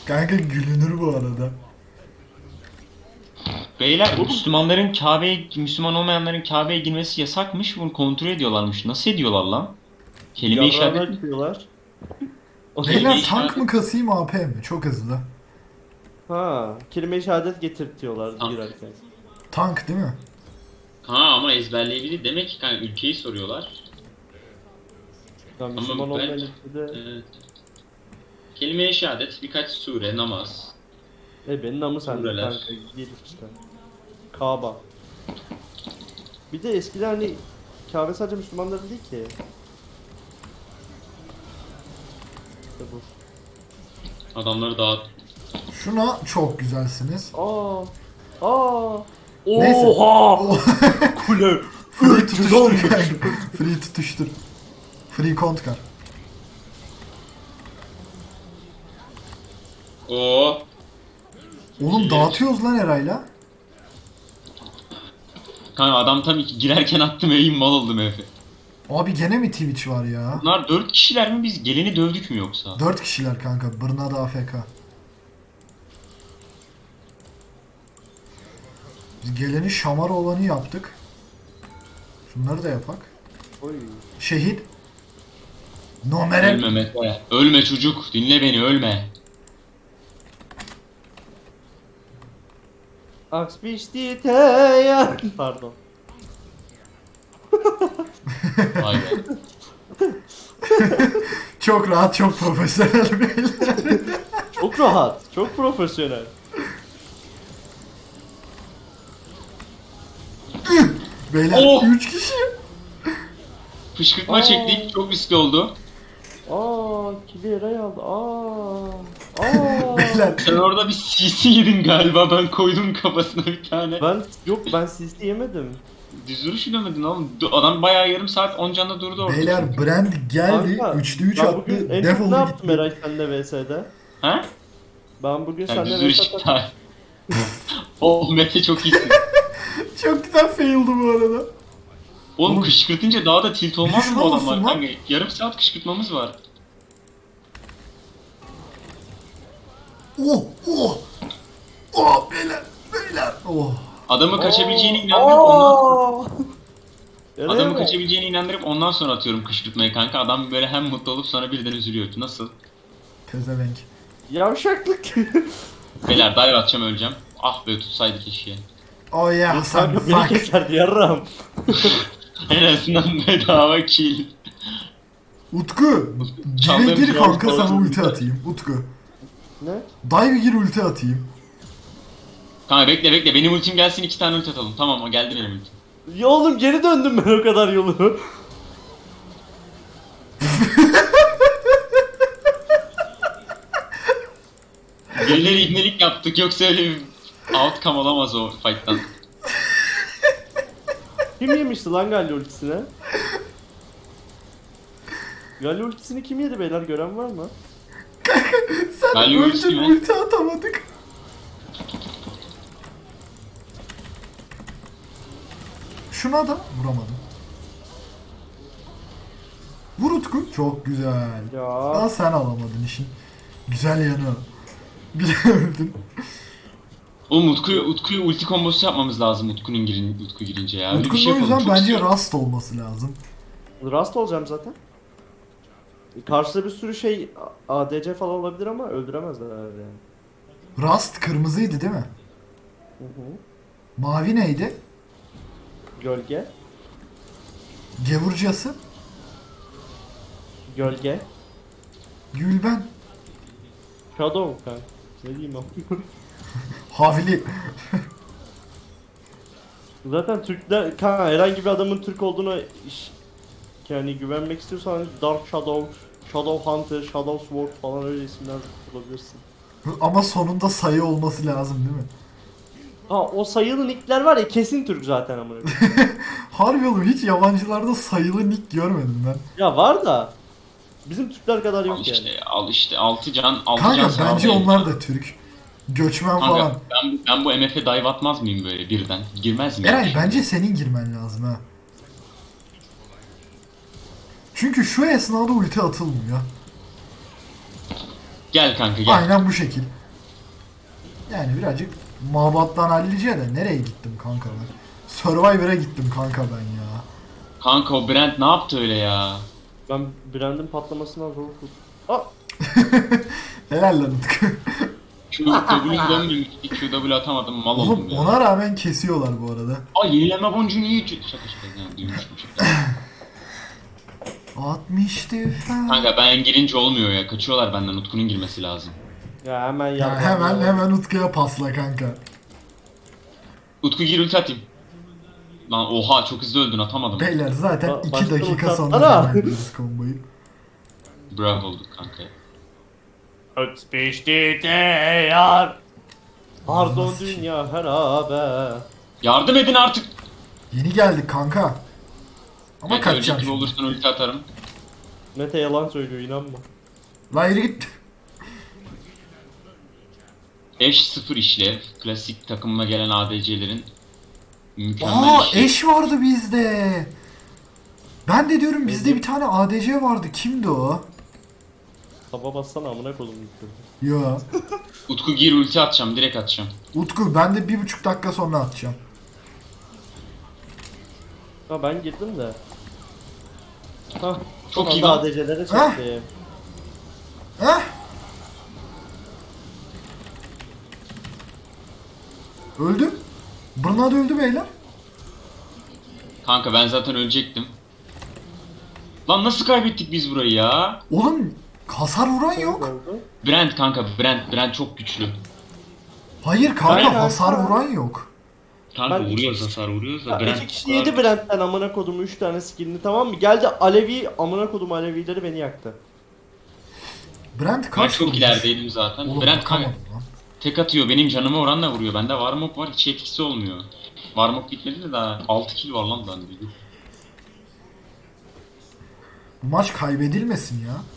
Kanka gülünür bu arada. Beyler Müslümanların Kabe'ye, Müslüman olmayanların Kabe'ye girmesi yasakmış. Bunu kontrol ediyorlarmış. Nasıl ediyorlar lan? Kelime-i Yarrağını şehadet mi? açıyorlar. O da Kelime-i Beyler tank mı şehadet. kasayım AP mi? Çok hızlı. ha, kelime-i şehadet getirtiyorlar Tamam. girerken. Tank değil mi? Ha ama ezberleyebilir. Demek ki kanka ülkeyi soruyorlar. Ya Ama Müslüman ben... olmayan ülkede Evet. Kelime-i şehadet, birkaç sure, namaz. benim namı sende Sureler. kanka. Gir işte. Kaaba. Bir de eskiden hani Kabe sadece Müslümanların değil ki. İşte bu. Adamları dağıt. Şuna çok güzelsiniz. Aa. Neyse. Oha! Oh. Kule. Free tutuştur kanka. Free tutuştur. Free kontkar. Oo. Oğlum dağıtıyoruz lan Eray'la. Kanka adam tam girerken attım eğim mal oldum Efe. Abi gene mi Twitch var ya? Bunlar 4 kişiler mi, biz geleni dövdük mü yoksa? 4 kişiler kanka. Bırnada AFK. Biz geleni şamar olanı yaptık. Şunları da yapak. Oy. Şehit. Nomere. Ölme Mete. Ölme çocuk. Dinle beni, ölme. Aks biçti teyan. Pardon. Vay be. Çok rahat, çok profesyonel beyler. Çok rahat. Çok profesyonel. Beyler Oh! 3 kişi. Fışkırtma Aa. çektik. Çok riskli oldu. Kili Eray aldı. Aa. Beyler Sen orada bir CC yedin galiba. Ben koydum kafasına bir tane. Ben CC yemedim. Düz vuruş yürümedin oğlum. Adam bayağı yarım saat 10 canla durdu orada. beyler Brand geldi. Kanka, 3'te 3 ben attı. bugün en çok ne Defolu yaptım gitti. Eray senle VS'de? Ha? Ben bugün Yani düz senle vuruş VS çıktı. Oh Mete çok iyisin. Çok güzel faildi bu arada. Oğlum Oğlum, kışkırtınca daha da tilt olmaz mı düşman bu olsun adamlar? lan. Kanka, yarım saat kışkırtmamız var. Oh oh. Oh beyler. Beyler. Oh. Adamı kaçabileceğine inandırıp ondan... Eray Adamı mi? kaçabileceğine inandırıp ondan sonra atıyorum kışkırtmayı kanka. Adam böyle hem mutlu olup sonra birden üzülüyor. Nasıl? Pezevenk. Yavşaklık. Beyler dive atacağım, öleceğim. Ah be, tutsaydı keşke. Oh yeah Hasan Kanka beni fuck. keserdi yarram. En azından bedava kill. Utku. Dive Çaldığım gir şey kanka olmuş, sana olmuş. ulti atayım. Utku. Ne? Dive gir ulti atayım. Kanka bekle bekle, benim ultim gelsin, 2 tane ulti atalım. Tamam, o geldi benim ultim. Ya oğlum geri döndüm ben o kadar yolu. Birileri ibnelik yaptık, yoksa öyle bir outcome olamaz o fight'tan. Kim yemişti lan Galio ultisine? Galio ultisini kim yedi beyler, gören var mı? Sen Galio ultisi öldün mi? ulti atamadık. Şuna da vuramadım. Vur Utku. Çok güzel. Daha Ya. sen alamadın işin. Güzel yanı. o. Bir de öldün. Oğlum Utku'yu ulti kombosu yapmamız lazım Utku girince ya. Öyle bir Utku'nun şey o yapalım. yüzden Çok bence istiyorum. Rust olması lazım. Rust olacağım zaten. Karşıda bir sürü şey ADC falan olabilir ama öldüremezler yani. Rust kırmızıydı değil mi? Hı hı. Mavi neydi? Gölge. Gevurcası. Gölge. Gülben. Shadow kanka. Ne diyeyim ama. Havli. Zaten Türkler, kanka herhangi bir adamın Türk olduğuna yani güvenmek istiyorsan hani Dark Shadow, Shadow Hunter, Shadow Sword falan öyle isimler bulabilirsin. Ama sonunda sayı olması lazım değil mi? Ha o sayılı nickler var ya, kesin Türk zaten amına koyayım. Harbi oğlum hiç yabancılarda sayılı nick görmedim ben. Ya var da bizim Türkler kadar Al yok işte, yani. al işte, 6 can, 6 can Kanka sana bence alayım. onlar da Türk. Göçmen Kanka falan. ben bu MF'e dive atmaz mıyım böyle birden? Girmez mi? Eray bence senin girmen lazım ha. Çünkü şu esnada ulti atılmıyor. Gel kanka gel. Aynen bu şekil. Yani birazcık mabattan hallice de nereye gittim kanka ben? Survivor'a gittim kanka ben ya. Kanka o Brent ne yaptı öyle ya? Ben Brand'in patlamasından zor kurtuldum. Aa! Helal lan Utku. QW dönmemişti. QW atamadım mal oldum Oğlum ya. ona rağmen kesiyorlar bu arada. Ay yenileme boncuğu niye şaka şaka yani duymuştum şaka. 60 defa. Kanka ben girince olmuyor ya. Kaçıyorlar benden. Utku'nun girmesi lazım. Ya hemen Ya yardım. hemen Utku'ya pasla kanka. Utku gir ulti atayım. Lan oha çok hızlı öldün atamadım. Beyler zaten Ba- 2 başka dakika ulti sonra atsana. devam ediyoruz komboyu. Bravo olduk kanka. Ötbeşti yar. Pardon dünya harabe. Yardım edin artık. Yeni geldik kanka. Ama Mete kaçacağım ölecek gibi şimdi. olursan ulti atarım. Mete yalan söylüyor inanma. La yürü git. Eş 0 işlev. Klasik takımıma gelen ADC'lerin mükemmel Aa işlev. eş vardı bizde. Ben de diyorum bizde bir tane ADC vardı. Kimdi o? Taba bassana amına koydum. Yo. Utku gir ulti atacağım. Direkt atacağım. Utku ben de 1,5 dakika sonra atacağım. Ha ben girdim de. Hah. Çok son iyi anda lan. ADC'lere Hah. çektim. Heh. Öldü. Bernard öldü beyler. Kanka ben zaten ölecektim. Lan nasıl kaybettik biz burayı ya? Oğlum hasar vuran yok. Oldu. Brent kanka Brent çok güçlü. Hayır kanka Aynen. hasar vuran yok. Kanka Ben vuruyoruz iki- hasar vuruyoruz da Ya Brent iki kişi bu kadar- yedi Brent'ten amına kodumu 3 tane skillini tamam mı? Geldi Alevi amına kodum Alevileri beni yaktı. Brent Ben kaç çok vurmuş? ilerideydim zaten. Oğlum Brent kanka bakamadım lan. tek atıyor benim canıma oranla vuruyor. Bende Warmok var hiç etkisi olmuyor. Warmok bitmedi de daha 6 kill var lan bende. Bu maç kaybedilmesin ya.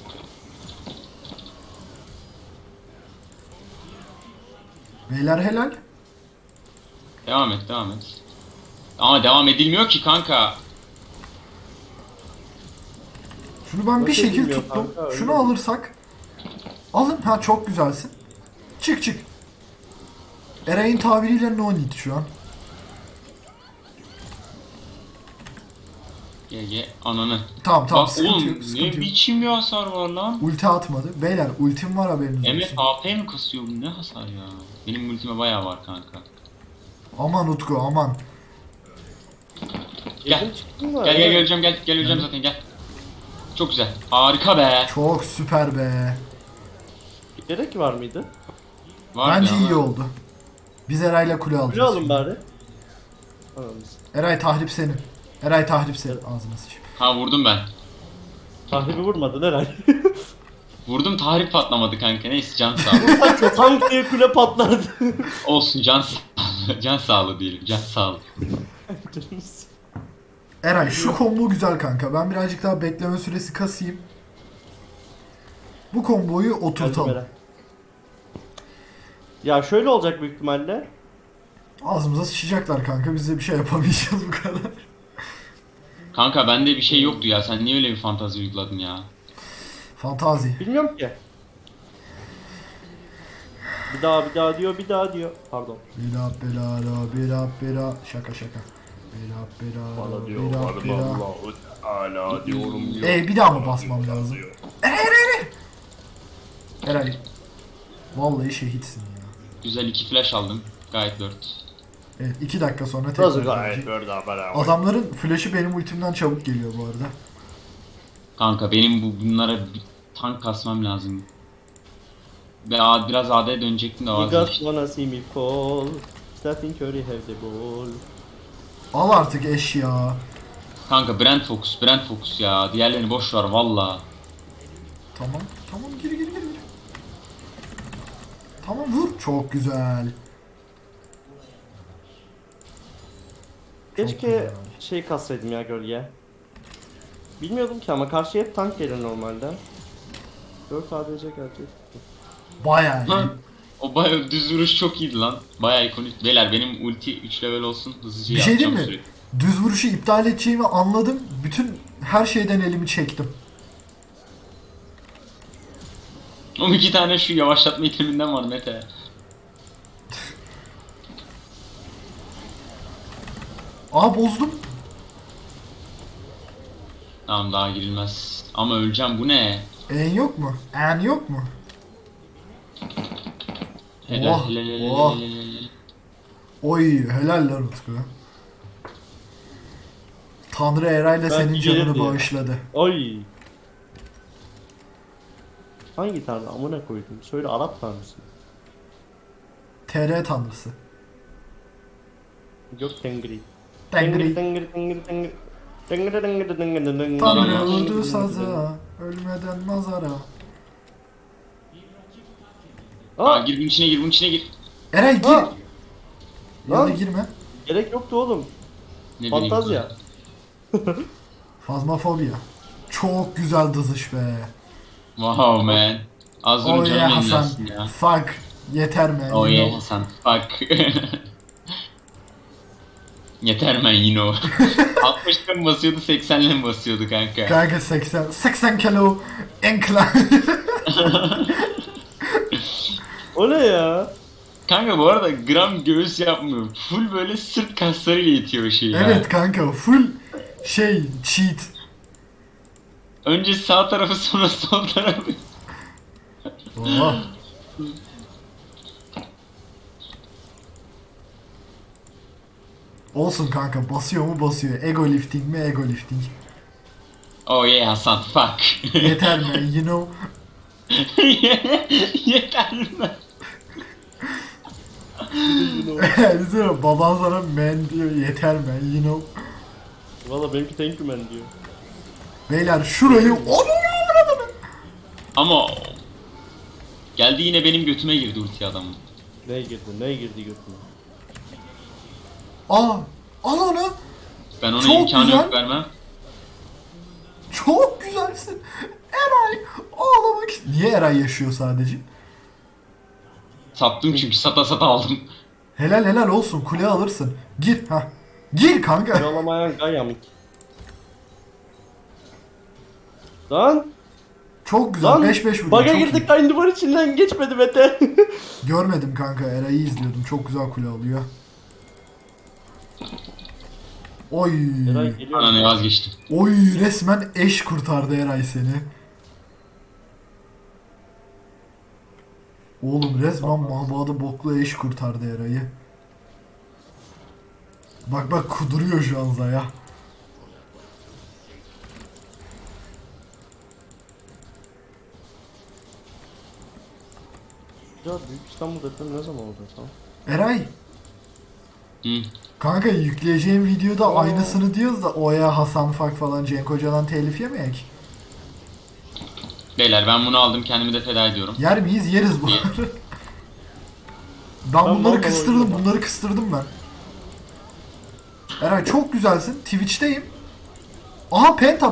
Beyler helal. Devam et. Ama devam edilmiyor ki kanka. Şunu ben bir Nasıl şekil edilmiyor tuttum. kanka, öyle Şunu mi? alırsak. Alın. Ha çok güzelsin. Çık. Eray'ın tabiriyle no need şu an. Ye ananı. Tamam Bak sıkıntı oğlum yok, ne sıkıntı yok. biçim bir hasar var lan. Ulti atmadı. Beyler ultim var haberiniz MF olsun. AP mi kasıyor bu ne hasar ya? Benim ultime bayağı var kanka. Aman Utku aman. Gel. Girdim çıktım da. Gel öleceğim gel öleceğim zaten gel. Çok güzel. Harika be. Çok süper be. Gerek var mıydı? Var Bence ya iyi ama- oldu. Biz Eray'la kule Kule alacağız. alın şimdi. bari. Anladınız. Eray tahrip senin. Eray tahrip senin. Ağzına sıçayım. Ha vurdum ben. Tahribi vurmadın herhalde. Vurdum tahrip patlamadı kanka neyse can sağlığı. Çok tank diye kule patlardı. Olsun can sağlığı. Can sağlığı diyelim can sağlığı. Eray şu combo güzel kanka. Ben birazcık daha bekleme süresi kasayım. Bu komboyu oturtalım. Ya şöyle olacak büyük ihtimalle. Ağzımıza sıçacaklar kanka. Biz de bir şey yapamayacağız bu kadar. Kanka bende bir şey yoktu ya sen niye öyle bir fantazi uyguladın ya? Fantazi. Bilmiyorum ki. Bir daha diyor, bir daha diyor. Pardon. Bela bela la bela bela. Şaka. Bela bela la bela bela. Hala diyorum. Bir daha mı basmam lazım? Eray. Vallahi şehitsin ya. Güzel 2 flash aldım. Gayet 4. Evet 2 dakika sonra Nasıl tekrar gayet gelecek. böyle haber Adamların flash'ı benim ultimden çabuk geliyor bu arada. Kanka benim bunlara bir tank kasmam lazım. Ve biraz AD'ye dönecektim de You just vazgeçtim. wanna see me fall. Stephen Curry have the ball. Al artık eş ya. Kanka Brent Focus ya. Diğerlerini boş ver valla. Tamam gir. Tamam vur. Çok güzel. Keşke güzel. şey kassaydım ya gölge. Bilmiyordum ki ama karşıya hep tank gelir normalde. 4 ADC gelecek. Bayağı iyi. Ha, o bayağı düz vuruş çok iyiydi lan. Bayağı ikonik. Beyler benim ulti 3 level olsun hızlıca Bir şey yapacağım diyeyim mi? sürekli. Düz vuruşu iptal edeceğimi anladım. Bütün her şeyden elimi çektim. O 2 tane şu yavaşlatma iteminden var Mete. Aa bozdum. Tamam daha girilmez. Ama öleceğim bu ne? En yok mu? En yok mu? Helal Oh, helal helal oh. helal helal. Oy helal lan Utku. Tanrı Eray'la Ben senin canını girerim ya. bağışladı. Oy. Hangi tanrı amına koydum? Söyle Arap tanrısı. TR tanrısı. Yok Tengri. Tengri. Tengri Tengri Tengri. Tengri Tengri Tengri Tengri. Tanrı Tengri. öldü saza. Ölmeden mazara. Aa, gir bunun içine gir bunun içine gir. Eray gir. Ha. Ya da Lan. girme. Gerek yoktu oğlum. Ne bileyim. Fantazya. Fazmafobia. Çok güzel dızış be. Wow man. Az Oh önce yeah canım Hasan. yenilsin ya. Fuck. Yeter mi? Oh You yeah know. Hasan. Fuck. Yeter man you know. 60'ta mı basıyordu 80'le mi basıyordu kanka? Kanka 80 kilo incline. O ne ya? Kanka bu arada gram göğüs yapmıyor. Full böyle sırt kaslarıyla itiyor o şeyi ya. Evet kanka full cheat. Önce sağ tarafı sonra sol tarafı. Oh. Olsun kanka basıyor mu basıyor. Ego lifting mi ego lifting. Oh yeah Hasan fuck. Yeter mi? You know. Yeter mi? Düşünsene baban sana man diyor yeter mi? You know. Valla benimki thank you man diyor. Beyler şurayı onu avradını. Ama geldi yine benim götüme girdi ulti adamın. Ne girdi? Ne girdi götüne? Aa al onu. Ben ona Çok imkanı güzel. yok vermem. Çok güzelsin. Eray ağlamak. Niye Eray yaşıyor sadece? Sattım çünkü sata sata aldım. Helal olsun kule alırsın. Gir ha. Gir kanka. Kralamayan Gayamik. Lan! Çok güzel. Lan! 5-5 vurdum. Bug'a çok iyi. girdik aynı duvar içinden geçmedi Mete. Görmedim kanka. Eray'ı izliyordum. Çok güzel kule alıyor. Oy. Eray geliyor. Ananı vazgeçtim. Oy resmen eş kurtardı Eray seni. Oğlum resmen mahbadı boklu eş kurtardı Eray'ı. Bak kuduruyor şu an Zaya. Ya Büyük İstanbul depremi ne zaman oldu tamam? Eray. Hı. Kanka yükleyeceğim videoda Aa. aynısını diyoruz da Oya, Hasan Fak falan Cenk Hoca'dan telif yemeyek. Beyler ben bunu aldım kendimi de feda ediyorum. Yer miyiz? Yeriz bu. Ben bunları vallahi kıstırdım, oynuyorum. bunları kıstırdım ben. Eray çok güzelsin. Twitch'teyim. Aha penta.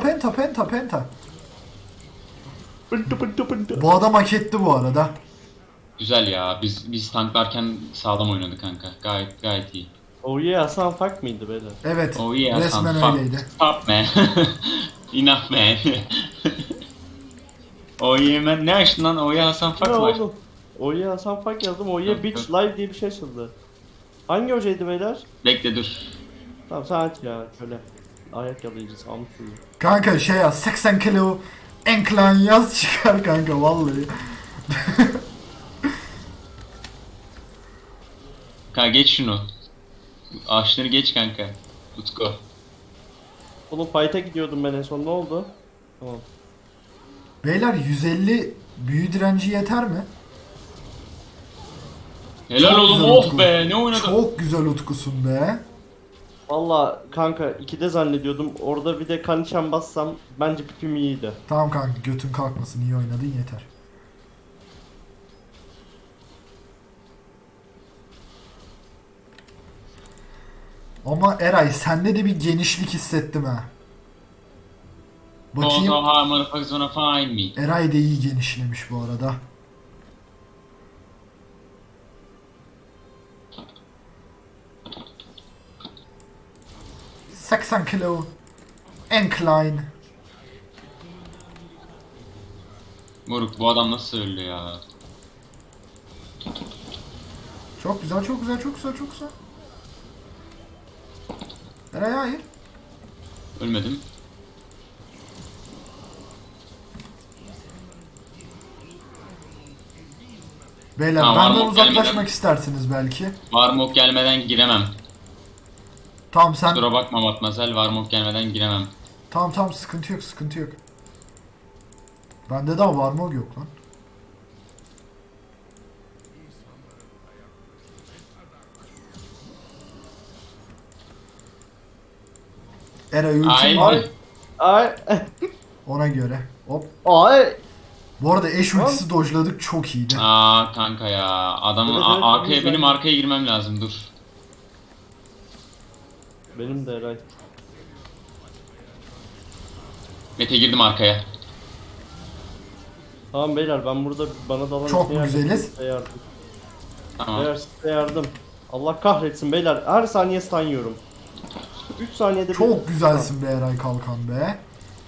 Pıntı pıntı pıntı. Bu adam hak etti bu arada. Güzel ya biz tanklarken sağlam oynadı kanka. Gayet iyi. Oh yeah Hasan Fak mıydı beyler? Evet. Oh yeah resmen Hasan, fuck. öyleydi. Stop man. Enough man. Oh yeah man ne açtın lan? Oh yeah Hasan Ne fuck var. oldu? Oh yeah Hasan Fak yazdım. Oh yeah Yok, bitch yok. live diye bir şey açıldı. Hangi hocaydı beyler? Bekle dur. Tamam sen aç ya şöyle. Ayak yalayıcısı almış şunu. Kanka şey yaz 80 kilo incline yaz çıkar kanka vallahi. Kanka geç şunu. Ağaçları geç kanka. Utku. Oğlum fight'a gidiyordum ben en son ne oldu? Tamam. Beyler 150 büyü direnci yeter mi? Helal Çok oğlum güzel oh Utku. be ne oynadın? Çok güzel utkusun be. Valla kanka 2'de zannediyordum. Orada bir de kanişen bassam bence pipim iyiydi. Tamam kanka götün kalkmasın iyi oynadın yeter. Ama Eray sende de bir genişlik hissettim ha. Bakayım. Oh, how motherfuckers wanna find me. Eray da iyi genişlemiş bu arada. ...80 kilo... ...incline... Moruk bu adam nasıl öldü ya? Çok güzel, çok güzel, çok güzel, çok güzel. Eray hayır. Ölmedim. Beyler Ha, benden Warmok uzaklaşmak gelmeden- istersiniz belki. Varmok gelmeden giremem. Tamam sen... Kusura bakma Matmazel, Varmok gelmeden giremem. Tamam tamam sıkıntı yok, sıkıntı yok. Bende daha var mı yok lan. Eray ultim Ay. var Ay. ona göre. Hop. Ay. Bu arada eş Lan. ultisi dojladık, çok iyiydi. Aa kanka ya. Adamın Evet, evet, arkaya güzel. benim arkaya girmem lazım dur. Benim de Eray. Mete girdim arkaya. Tamam beyler ben burada bana dalan Çok ipne yardım, güzeliz. size yardım. Tamam. Beyler size yardım. Allah kahretsin beyler her saniye stun yiyorum. 3 saniyede bir Çok güzelsin be Eray Kalkan be.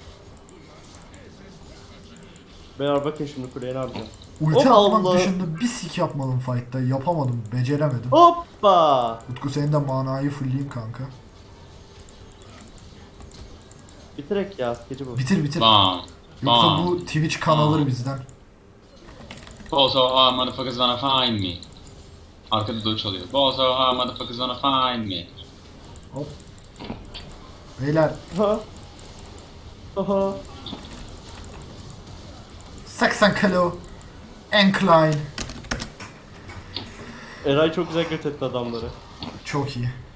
Beyler bakın şimdi kuleye ne yapacağım. Ulti Hop, atmak Allah. dışında bir sik yapmadım fight'ta. Yapamadım, beceremedim. Hoppa! Utku senin de manayı fullleyeyim kanka. Bitirek ya gece bu. Bitir bitir. Bam. Yoksa Bam. bu Twitch kan alır bizden. Also how motherfuckers wanna find me. Arkada dodge çalıyor. Also how motherfuckers wanna find me. Hop. Beyler Ha. Aha. 80 kilo. Incline. Eray çok güzel göt etti adamları. Çok iyi.